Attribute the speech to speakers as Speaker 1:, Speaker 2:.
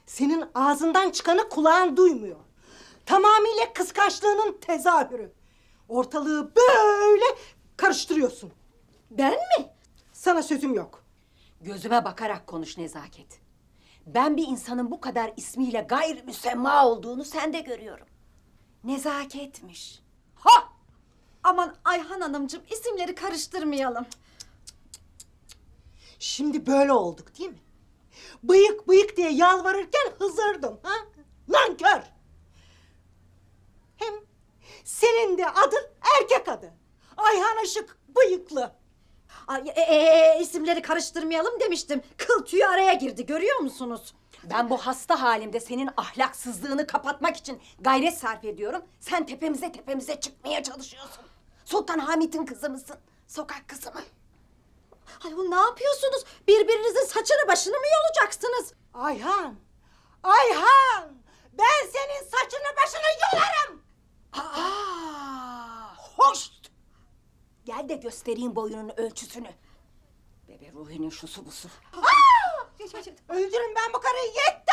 Speaker 1: Senin ağzından çıkanı kulağın duymuyor. Tamamıyla kıskançlığının tezahürü. Ortalığı böyle karıştırıyorsun.
Speaker 2: Ben mi?
Speaker 1: Sana sözüm yok.
Speaker 2: Gözüme bakarak konuş Nezaket. Ben bir insanın bu kadar ismiyle gayrimüsemma olduğunu sende görüyorum. Nezaketmiş.
Speaker 3: Ha! Aman Ayhan Hanımcığım, isimleri karıştırmayalım.
Speaker 1: Şimdi böyle olduk değil mi? Bıyık bıyık diye yalvarırken hızırdım. Ha? Nankör! Hem senin de adın erkek adı. Ayhan Işık bıyıklı.
Speaker 3: Ay, isimleri karıştırmayalım demiştim. Kıl tüyü araya girdi, görüyor musunuz?
Speaker 2: Ben bu hasta halimde senin ahlaksızlığını kapatmak için gayret sarf ediyorum. Sen tepemize çıkmaya çalışıyorsun. Sultan Hamit'in kızı mısın? Sokak kızı mı?
Speaker 3: Ay, ne yapıyorsunuz? Birbirinizin saçını başını mı yolacaksınız?
Speaker 1: Ayhan! Ayhan! Ben senin saçını başını yolarım!
Speaker 2: Aa, hoş! Gel de göstereyim boyunun ölçüsünü. Bebe Ruhi'nin şusu busu.
Speaker 1: Öldürün ben bu karıyı, yetti!